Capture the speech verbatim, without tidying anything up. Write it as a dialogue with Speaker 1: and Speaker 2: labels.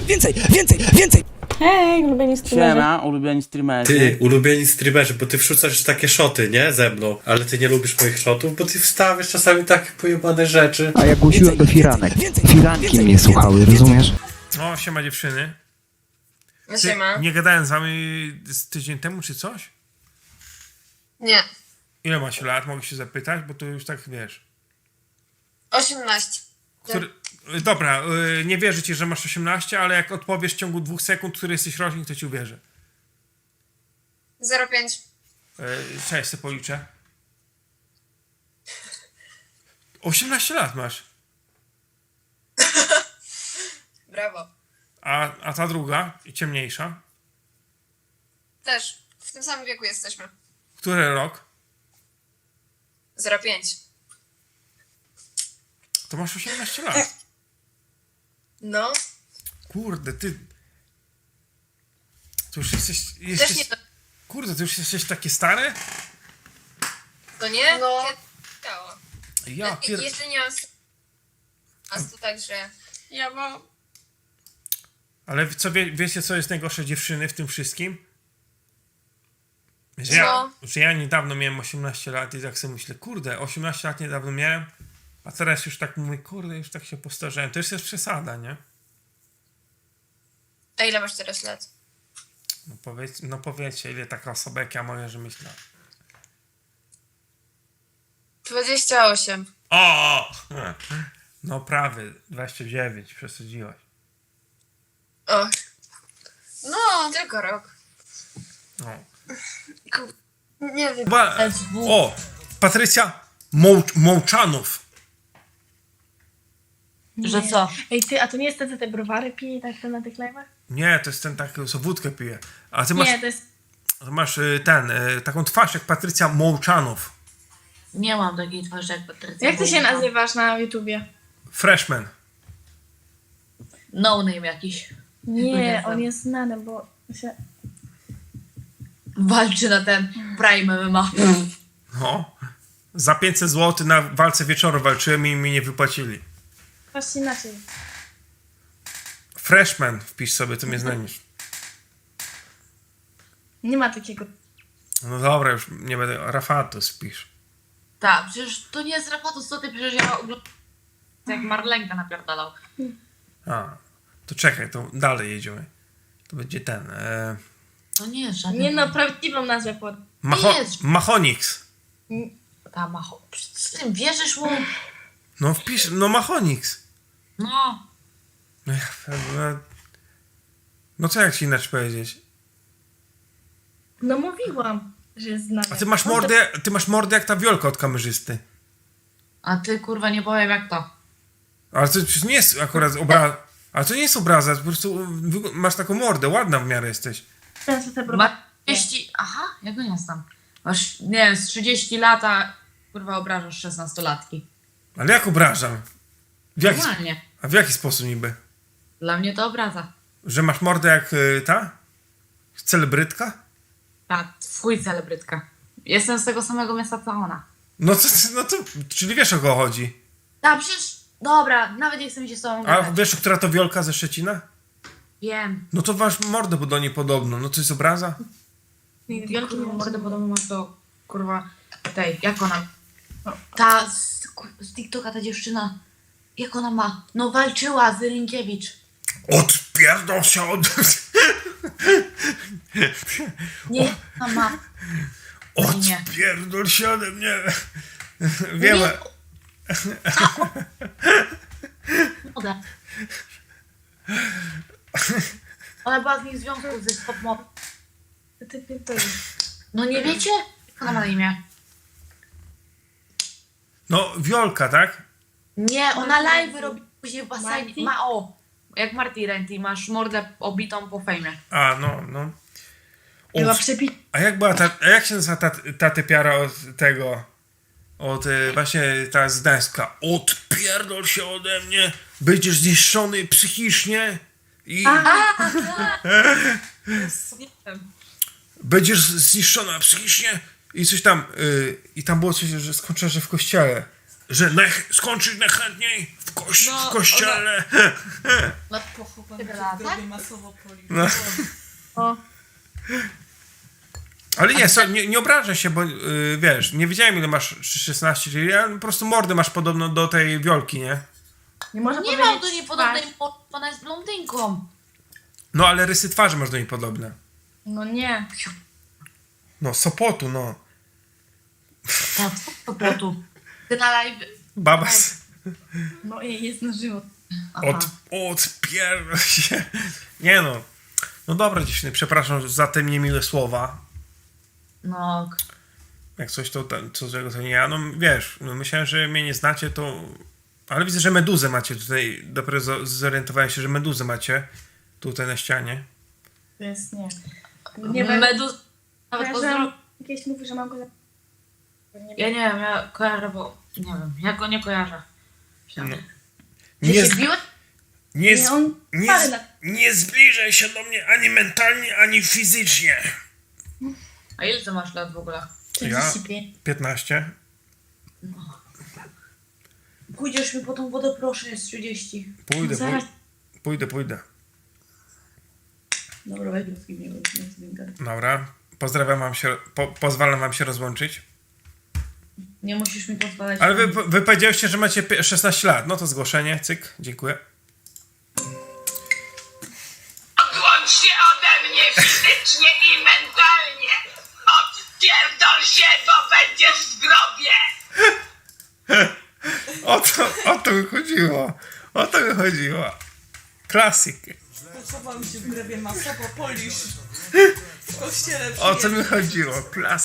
Speaker 1: Więcej, więcej, więcej!
Speaker 2: Hej, ulubieni streamerzy.
Speaker 3: Siema, ulubieni streamerzy.
Speaker 4: Ty, ulubieni streamerzy, bo ty wrzucasz takie szoty, nie? Ze mną. Ale ty nie lubisz moich szotów, bo ty wstawiasz czasami takie pojebane rzeczy.
Speaker 1: A ja głosiłem do firanek. Firanki mnie słuchały, rozumiesz?
Speaker 5: O, siema dziewczyny.
Speaker 6: No
Speaker 5: Ty,
Speaker 6: siema.
Speaker 5: nie gadałem z wami z tydzień temu czy coś?
Speaker 6: Nie.
Speaker 5: Ile macie lat? Mogę się zapytać, bo to już tak wiesz.
Speaker 6: osiemnaście.
Speaker 5: Który... Dobra, yy, nie wierzę ci, że masz osiemnaście, ale jak odpowiesz w ciągu dwóch sekund, który jesteś rocznik, to ci uwierzę.
Speaker 6: zero pięć.
Speaker 5: Yy, cześć, sobie policzę. osiemnaście lat masz.
Speaker 6: Brawo.
Speaker 5: A, a ta druga, i ciemniejsza.
Speaker 6: Też. W tym samym wieku jesteśmy.
Speaker 5: Który rok?
Speaker 6: zero pięć.
Speaker 5: To masz osiemnaście lat.
Speaker 6: No.
Speaker 5: Kurde, ty... To już jesteś...
Speaker 6: Też
Speaker 5: jesteś...
Speaker 6: nie to,
Speaker 5: Kurde, ty już jesteś takie stare?
Speaker 6: to nie? No. Ciało.
Speaker 5: Ja pier...
Speaker 6: Jeszcze nie mam... A to tak, że... Ja bo...
Speaker 5: Ale co wie, wiecie, co jest najgorsze dziewczyny w tym wszystkim? Że ja,
Speaker 6: Co?
Speaker 5: że ja niedawno miałem osiemnaście lat i tak sobie myślę, kurde, osiemnaście lat niedawno miałem, a teraz już tak mówię, kurde, już tak się postarzałem. To już jest przesada, nie?
Speaker 6: A ile masz teraz lat?
Speaker 5: No, powiedz, no powiedzcie, ile taka osoba jak ja moja, że myślę.
Speaker 6: dwadzieścia osiem.
Speaker 5: O! No prawie, dwadzieścia dziewięć, przesadziłaś.
Speaker 6: O. No. Tylko rok.
Speaker 5: No.
Speaker 6: Nie wiem.
Speaker 5: Chyba, o! Patrycja Mołcz, Mołczanów.
Speaker 2: Że co?
Speaker 7: Ej ty, a to nie jest ten, co te browary pije tak to na tych live'ach?
Speaker 5: Nie, to jest ten taki, co wódkę pije. A ty masz,
Speaker 7: Nie, to jest...
Speaker 5: ty masz y, ten, y, taką twarz jak Patrycja Mołczanów.
Speaker 2: Nie mam takiej twarzy jak Patrycja.
Speaker 7: Jak ty się nazywasz na YouTubie?
Speaker 5: Freshman.
Speaker 2: No name jakiś.
Speaker 7: Nie,
Speaker 2: Nie
Speaker 7: on
Speaker 2: znam.
Speaker 7: jest znany, bo się...
Speaker 2: Walczy na ten Prime M M A.
Speaker 5: No. Za pięćset złotych na walce wieczoru walczyłem i mi nie wypłacili.
Speaker 7: Właśnie inaczej.
Speaker 5: Freshman, wpisz sobie, to mnie znajdziesz.
Speaker 7: Nie ma takiego...
Speaker 5: No dobra, już nie będę. Rafatus wpisz.
Speaker 2: Tak, przecież to nie jest Rafatus, co ty, przecież ja oglądam jak Marlenka napierdalał.
Speaker 5: A, to czekaj, to dalej jedziemy. To będzie ten. E,
Speaker 2: To nie jest żaden...
Speaker 7: Nie no, prawdziwą nazwę pod...
Speaker 5: Macho,
Speaker 2: jest.
Speaker 5: Machonix.
Speaker 2: Ta macho... Z tym wierzysz mu?
Speaker 5: No wpisz, no Machonix.
Speaker 2: No.
Speaker 5: No, ja- no, no co jak ci inaczej powiedzieć?
Speaker 7: No mówiłam, że jest znany.
Speaker 5: A ty masz
Speaker 7: No to-
Speaker 5: mordę, ty masz mordę jak ta Wiolka od kamerzysty.
Speaker 2: A ty kurwa nie powiem jak to.
Speaker 5: Ale to przecież nie jest akurat obraza. Ale to nie jest obraza, po prostu wyg- masz taką mordę, ładna w miarę jesteś.
Speaker 7: Ten, co te browary...
Speaker 2: Ma trzydzieści... Aha, ja go nie znam. Masz, nie wiem, z trzydzieści lat, a kurwa obrażasz szesnastolatki.
Speaker 5: Ale jak obrażam? W jaki,
Speaker 2: Normalnie.
Speaker 5: a w jaki sposób niby?
Speaker 2: Dla mnie to obraza.
Speaker 5: Że masz mordę jak y, ta? Celebrytka?
Speaker 2: Ta, twój celebrytka. Jestem z tego samego miasta co ona.
Speaker 5: No to, no to, czyli wiesz o kogo chodzi.
Speaker 2: A przecież, dobra, nawet nie chcę mi się z tobą
Speaker 5: A
Speaker 2: gadać.
Speaker 5: wiesz, która to Wiolka ze Szczecina?
Speaker 2: Wiem.
Speaker 5: No to masz mordę, bo do niej podobno. No to jest obraza?
Speaker 7: Wielki
Speaker 2: Wielki
Speaker 7: nie
Speaker 2: mordę podobno masz do, kurwa, tej, jak ona... Ta z, kur- z TikToka, ta dziewczyna, jak ona ma? No walczyła z Rynkiewicz.
Speaker 5: Odpierdol się od...
Speaker 2: Nie, ona ma... Nie.
Speaker 5: Odpierdol się ode mnie. Wiem.
Speaker 2: Nie. Moda. Ona była z nim w związku ze Spot Mod.
Speaker 7: Ty pierdolisz.
Speaker 2: No nie wiecie? Jak ona ma na imię?
Speaker 5: No, Wiolka, tak?
Speaker 2: Nie, ona live robi później w basenie.
Speaker 7: Marty?
Speaker 2: Ma o, jak Marty Renty, masz mordę obitą po fejmie.
Speaker 5: A, no, no.
Speaker 7: Była
Speaker 5: O,
Speaker 7: przepi...
Speaker 5: a jak była ta, a jak się nazywa ta, ta typiara od tego, od y, właśnie ta z Gdańska? Odpierdol się ode mnie, będziesz zniszczony psychicznie i
Speaker 2: Nie wiem.
Speaker 5: będziesz zniszczona psychicznie i coś tam, y, i tam było coś, że skończyła, że w kościele. że naj- skończyć najchętniej w, koś-
Speaker 6: No,
Speaker 5: w kościele.
Speaker 6: Lat pochowany
Speaker 2: Tyle
Speaker 6: w
Speaker 2: lat,
Speaker 6: grobie
Speaker 2: tak?
Speaker 6: masowo polił.
Speaker 5: No.
Speaker 7: O,
Speaker 5: Ale nie, so, nie, nie obrażę się, bo yy, wiesz, nie wiedziałem ile masz szesnaście, czyli ja po prostu mordę masz podobno do tej Wiolki, nie?
Speaker 7: nie można
Speaker 2: Nie
Speaker 7: powiedzieć
Speaker 2: mam do niej podobnej
Speaker 7: twarz.
Speaker 2: mordy, ona jest blondynką.
Speaker 5: No ale rysy twarzy masz do niej podobne.
Speaker 7: No nie.
Speaker 5: No, Sopotu, no.
Speaker 2: Tak, po prostu. Ty na live...
Speaker 5: Babas.
Speaker 7: No i jest na żywo.
Speaker 2: Aha.
Speaker 5: Od, odpierdol się. Nie no. No dobra dziewczyny, przepraszam za te niemiłe słowa.
Speaker 2: No,
Speaker 5: Jak coś to, to co złego to nie ja. No wiesz, no, myślałem, że mnie nie znacie, to... Ale widzę, że meduzę macie tutaj. Dopiero zo- zorientowałem się, że meduzę macie tutaj na ścianie.
Speaker 7: To jest nie.
Speaker 2: nie
Speaker 7: Nie wiem.
Speaker 2: Meduz... Nawet pozdro...
Speaker 7: Kojarzę, jakieś mówi, że mam go za... Nie
Speaker 2: Ja nie wiem, ja kojarzę, bo... Nie wiem, ja go nie kojarzę.
Speaker 5: No.
Speaker 2: Ty
Speaker 5: Nie,
Speaker 2: się
Speaker 5: z,
Speaker 2: biłeś?
Speaker 5: nie,
Speaker 7: Nie,
Speaker 5: z,
Speaker 7: on
Speaker 5: nie,
Speaker 7: parę
Speaker 5: z,
Speaker 7: lat.
Speaker 5: nie zbliżaj się do mnie ani mentalnie, ani fizycznie.
Speaker 2: A ile ty masz lat w ogóle?
Speaker 7: trzydzieści pięć.
Speaker 5: piętnaście.
Speaker 2: Pójdziesz mi po tą wodę, proszę, jest trzydzieści.
Speaker 5: Pójdę,
Speaker 7: No zaraz.
Speaker 5: pójdę, pójdę, pójdę.
Speaker 2: Dobra, weź go z kim nie wiem.
Speaker 5: Dobra. Pozdrawiam wam się, po, pozwalam wam się rozłączyć.
Speaker 2: Nie musisz mi pozwalać.
Speaker 5: Ale wy, wy powiedzieliście, że macie pi- szesnaście lat. No to zgłoszenie, cyk, dziękuję.
Speaker 3: Odłącz się ode mnie fizycznie i mentalnie! Odpierdol się, bo będziesz w grobie!
Speaker 5: O to, o to mi chodziło. O to mi chodziło. Klasyk.
Speaker 6: Pochowałem się w grobie masowo polisz. W kościele
Speaker 5: O co mi chodziło? Klasyk.